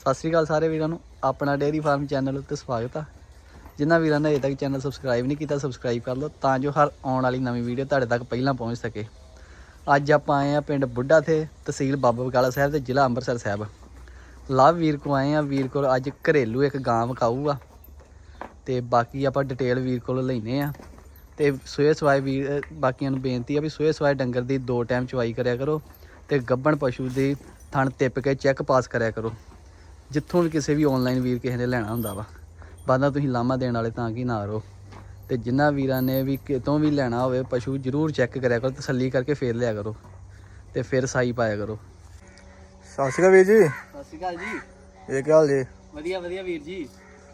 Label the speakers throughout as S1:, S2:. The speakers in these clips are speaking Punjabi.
S1: ਸਤਿ ਸ਼੍ਰੀ ਅਕਾਲ ਸਾਰੇ ਵੀਰਾਂ ਨੂੰ ਆਪਣਾ ਡੇਅਰੀ ਫਾਰਮ ਚੈਨਲ ਉੱਤੇ ਸਵਾਗਤ ਆ। ਜਿਨ੍ਹਾਂ ਵੀਰਾਂ ਨੇ ਅਜੇ ਤੱਕ ਚੈਨਲ ਸਬਸਕ੍ਰਾਈਬ ਨਹੀਂ ਕੀਤਾ ਸਬਸਕ੍ਰਾਈਬ ਕਰ ਲਓ ਤਾਂ ਜੋ ਹਰ ਆਉਣ ਵਾਲੀ ਨਵੀਂ ਵੀਡੀਓ ਤੁਹਾਡੇ ਤੱਕ ਪਹਿਲਾਂ ਪਹੁੰਚ ਸਕੇ। ਅੱਜ ਆਪਾਂ ਆਏ ਆ ਪਿੰਡ ਬੁੱਢਾ ਥੇ ਤਹਿਸੀਲ ਬਾਬਾ ਬਕਾਲਾ ਸਾਹਿਬ ਤੇ ਜ਼ਿਲ੍ਹਾ ਅੰਮ੍ਰਿਤਸਰ ਸਾਹਿਬ। ਲਵ ਵੀਰ ਕੋ ਆਏ ਆ। ਵੀਰ ਕੋਲ ਅੱਜ ਘਰੇਲੂ ਇੱਕ ਗਾਂ ਵਿਕਾਊ ਆ ਤੇ ਬਾਕੀ ਆਪਾਂ ਡਿਟੇਲ ਵੀਰ ਕੋਲ ਲੈਨੇ ਆ। ਤੇ ਸੋਏ ਸਵਾਏ ਵੀਰ ਬਾਕੀਆਂ ਨੂੰ ਬੇਨਤੀ ਆ ਵੀ ਸੋਏ ਸਵਾਏ ਡੰਗਰ ਦੀ 2 ਟਾਈਮ ਚਵਾਈ ਕਰਿਆ ਕਰੋ ਤੇ ਗੱਭਣ ਪਸ਼ੂ ਦੀ ਥਣ ਟਿੱਪ ਕੇ ਚੈੱਕ ਪਾਸ ਕਰਿਆ ਕਰੋ। ਜਿੱਥੋਂ ਵੀ ਕਿਸੇ ਵੀ ਆਨਲਾਈਨ ਵੀਰ ਕਿਸੇ ਨੇ ਲੈਣਾ ਹੁੰਦਾ ਵਾ ਬਾਅਦ ਤੁਸੀਂ ਲਾਮਾ ਦੇਣ ਵਾਲੇ ਤਾਂ ਕਿ ਨਾ ਰਹੋ। ਤੇ ਜਿਨ੍ਹਾਂ ਵੀਰਾਂ ਨੇ ਵੀ ਕਿਤੋਂ ਵੀ ਲੈਣਾ ਹੋਵੇ ਪਸ਼ੂ ਜ਼ਰੂਰ ਚੈੱਕ ਕਰਿਆ ਕਰੋ, ਤਸੱਲੀ ਕਰਕੇ ਫੇਰ ਲਿਆ ਕਰੋ ਤੇ ਫਿਰ ਸਾਈ ਪਾਇਆ ਕਰੋ।
S2: ਸਤਿ ਸ਼੍ਰੀ ਅਕਾਲ ਵੀਰ ਜੀ।
S1: ਸਤਿ ਸ਼੍ਰੀ ਅਕਾਲ ਜੀ।
S2: ਇਹ ਕੀ ਹਾਲ ਜੀ?
S1: ਵਧੀਆ ਵਧੀਆ ਵੀਰ ਜੀ।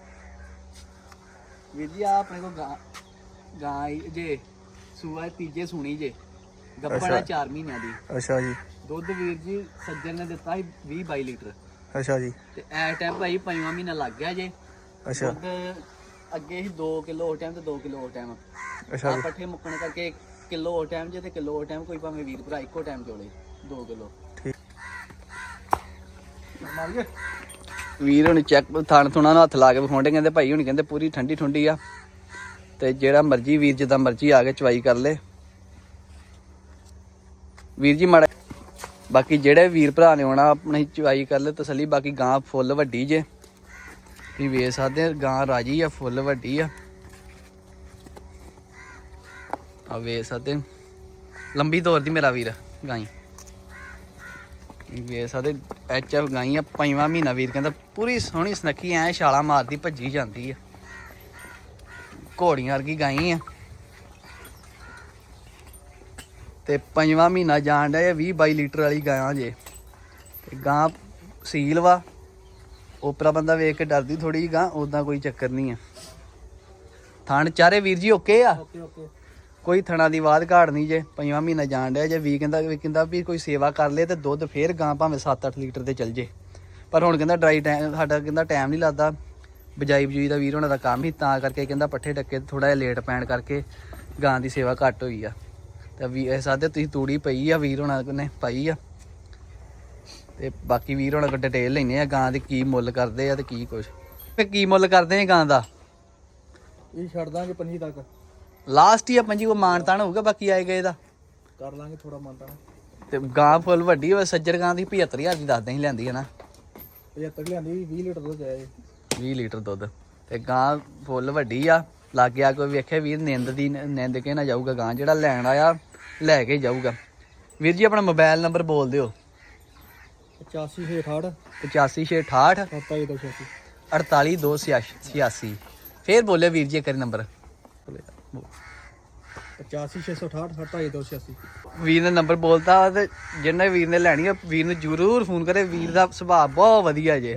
S1: ਵੀਰ ਜੀ ਆ ਆਪਣੇ ਕੋਲ ਗਾਂ ਜੇ ਸੂਆ ਤੀਜੇ ਸੁਣੀ ਜੇ ਗੱਭਣ 4 ਮਹੀਨਿਆਂ ਦੀ।
S2: ਅੱਛਾ ਜੀ।
S1: ਦੁੱਧ ਵੀਰ ਜੀ ਸੱਜਣ ਨੇ ਦਿੱਤਾ ਸੀ 20-22 ਲੀਟਰ।
S2: ਅੱਛਾ ਜੀ।
S1: ਤੇ ਐਸ ਟਾਈਮ ਭਾਈ 5ਵਾਂ ਮਹੀਨਾ ਲੱਗ ਗਿਆ ਜੇ।
S2: ਅੱਛਾ।
S1: ਦੁੱਧ ਅੱਗੇ ਸੀ 2 ਕਿਲੋ ਉਸ ਟਾਈਮ ਤੇ 2 ਕਿਲੋ ਉਸ ਟਾਈਮ।
S2: ਅੱਛਾ ਜੀ।
S1: ਪੱਠੇ ਮੁੱਕਣ ਕਰਕੇ ਕਿਲੋ ਉਸ ਟਾਈਮ ਜੇ ਤੇ ਕਿਲੋ ਉਸ ਟਾਈਮ ਕੋਈ ਭਾਵੇਂ ਵੀਰ ਭਰਾ ਇੱਕੋ ਟਾਈਮ ਚੋਲੇ 2 ਕਿਲੋ।
S2: ਠੀਕ।
S1: ਵੀਰ ਹੁਣ ਚੈੱਕ ਥਣ ਥੁਣਾ ਨੂੰ ਹੱਥ ਲਾ ਕੇ ਵਿਖਾਉਂਦੇ ਕਹਿੰਦੇ ਭਾਈ ਹੁਣ ਕਹਿੰਦੇ ਪੂਰੀ ਠੰਡੀ ਠੁੰਡੀ ਆ ਤੇ ਜਿਹੜਾ ਮਰਜੀ ਵੀਰ ਜਿੱਦਾਂ ਮਰਜੀ ਆ ਕੇ ਚਵਾਈ ਕਰ ਲੇ ਵੀਰ ਜੀ ਮਾੜਾ। ਬਾਕੀ ਜਿਹੜੇ ਵੀਰ ਭਰਾ ਨੇ ਆਉਣਾ ਆਪਣੀ ਚਵਾਈ ਕਰ ਲੈ ਤਸੱਲੀ। ਬਾਕੀ ਗਾਂ ਫੁੱਲ ਵੱਡੀ ਜੇ ਤੁਸੀਂ ਵੇਖ ਸਕਦੇ ਗਾਂ ਰਾਜੀ ਆ ਫੁੱਲ ਵੱਡੀ ਆ ਵੇਖ ਸਕਦੇ ਲੰਬੀ ਦੌਰ ਦੀ ਮੇਰਾ ਵੀਰ ਗਾਈ ਵੇਖ ਸਕਦੇ HF ਗਾਈ ਆ 5ਵਾਂ ਮਹੀਨਾ ਵੀਰ ਕਹਿੰਦਾ ਪੂਰੀ ਸੋਹਣੀ ਸੁਨੱਖੀ ਐ ਛਾਲਾ ਮਾਰਦੀ ਭੱਜੀ ਜਾਂਦੀ ਆ ਘੋੜੀਆਂ ਵਰਗੀ ਗਾਈ ਆ ਤੇ 5ਵਾਂ ਮਹੀਨਾ ਜਾਣ ਡਿਆ 20-22 ਲੀਟਰ ਵਾਲੀ ਗਾਂ ਜੇ ਤੇ ਗਾਂ ਸੀਲ ਵਾ। ਓਪਰਾ ਬੰਦਾ ਵੇਖ ਕੇ ਡਰਦੀ ਥੋੜੀ ਜਿਹੀ ਗਾਂ ਉਦਾਂ ਕੋਈ ਚੱਕਰ ਨਹੀਂ ਆ। ਥਣ ਚਾਰੇ ਵੀਰ ਜੀ ਓਕੇ ਆ। ਕੋਈ ਥਣਾ ਦੀ ਬਾਤ ਘਾੜ ਨਹੀਂ ਜੇ 5ਵਾਂ ਮਹੀਨਾ ਜਾਣ ਡਿਆ ਜੇ। ਵੀ ਕਹਿੰਦਾ ਵੀ ਕੋਈ ਸੇਵਾ ਕਰ ਲੇ ਤੇ ਦੁੱਧ ਫੇਰ ਗਾਂ ਭਾਵੇਂ 7-8 ਲੀਟਰ ਤੇ ਚੱਲ ਜੇ। ਪਰ ਹੁਣ ਕਹਿੰਦਾ ਡਰਾਈ ਟਾਈਮ ਸਾਡਾ ਕਹਿੰਦਾ ਟਾਈਮ ਨਹੀਂ ਲੱਗਦਾ ਬਜਾਈ ਬਜੂਈ ਦਾ ਵੀਰ ਹੋਣਾ ਦਾ ਕੰਮ ਹੀ ਤਾਂ ਕਰਕੇ ਕਹਿੰਦਾ ਪੱਠੇ ਡੱਕੇ ਥੋੜਾ ਜਿਹਾ ਲੇਟ ਪੈਣ ਕਰਕੇ ਗਾਂ ਦੀ ਸੇਵਾ ਘੱਟ ਹੋਈ ਆ। ਤੇ ਵੀ ਇਹ ਸਾਦੇ ਤੁਸੀਂ ਤੂੜੀ ਪਈ ਆ ਵੀਰ ਹੋਣਾ ਨੇ ਪਾਈ ਆ ਤੇ ਬਾਕੀ ਵੀਰ ਹੋਣਾ ਕੋਲ ਡਿਟੇਲ ਲੈਨੇ ਆ ਗਾਂ ਦੀ ਕੀ ਮੁੱਲ ਕਰਦੇ ਆ ਤੇ ਕੀ ਕੁਛ ਤੇ ਕੀ ਮੁੱਲ ਕਰਦੇ ਆ ਗਾਂ ਦਾ।
S2: ਇਹ ਛੱਡ ਦਾਂਗੇ 25 ਤੱਕ
S1: ਲਾਸਟ ਹੀ ਆ 25 ਕੋ ਮਾਨਤਾਨ ਹੋਊਗਾ ਬਾਕੀ ਆਏ ਗਏ ਦਾ
S2: ਕਰ ਲਾਂਗੇ ਥੋੜਾ ਮਾਨਤਾਨ।
S1: ਤੇ ਗਾਂ ਫੁੱਲ ਵੱਡੀ ਹੋਵੇ ਸੱਜਰ ਗਾਂ ਦੀ 75000 ਦੀ ਦੱਸਦੇ ਹੀ ਲੈਂਦੀ ਹੈ ਨਾ।
S2: 75 ਲਿਆਂਦੀ 20 ਲੀਟਰ ਦੁੱਧ ਆਇਆ
S1: 20 ਲੀਟਰ ਦੁੱਧ ਤੇ ਗਾਂ ਫੁੱਲ ਵੱਡੀ ਆ। ਲਾਗੇ ਆ ਕੋਈ ਵੇਖੇ ਵੀਰ ਨਿੰਦ ਕੇ ਨਾ ਜਾਊਗਾ ਗਾਂ ਜਿਹੜਾ ਲੈਣ ਆਇਆ ਲੈ ਕੇ ਜਾਊਗਾ। ਵੀਰ ਜੀ ਆਪਣਾ ਮੋਬਾਈਲ ਨੰਬਰ ਬੋਲ ਦਿਓ।
S2: 8568
S1: 8568
S2: 48286
S1: 48286 ਫੇਰ ਬੋਲਿਓ ਵੀਰ ਜੀ ਇੱਕ ਵਾਰੀ ਨੰਬਰ।
S2: 8568 48286
S1: ਵੀਰ ਨੇ ਨੰਬਰ ਬੋਲਤਾ ਤੇ ਜਿਹਨੇ ਵੀਰ ਨੇ ਲੈਣੀ ਆ ਵੀਰ ਨੂੰ ਜ਼ਰੂਰ ਫੋਨ ਕਰੇ। ਵੀਰ ਦਾ ਸੁਭਾਅ ਬਹੁਤ ਵਧੀਆ ਜੇ।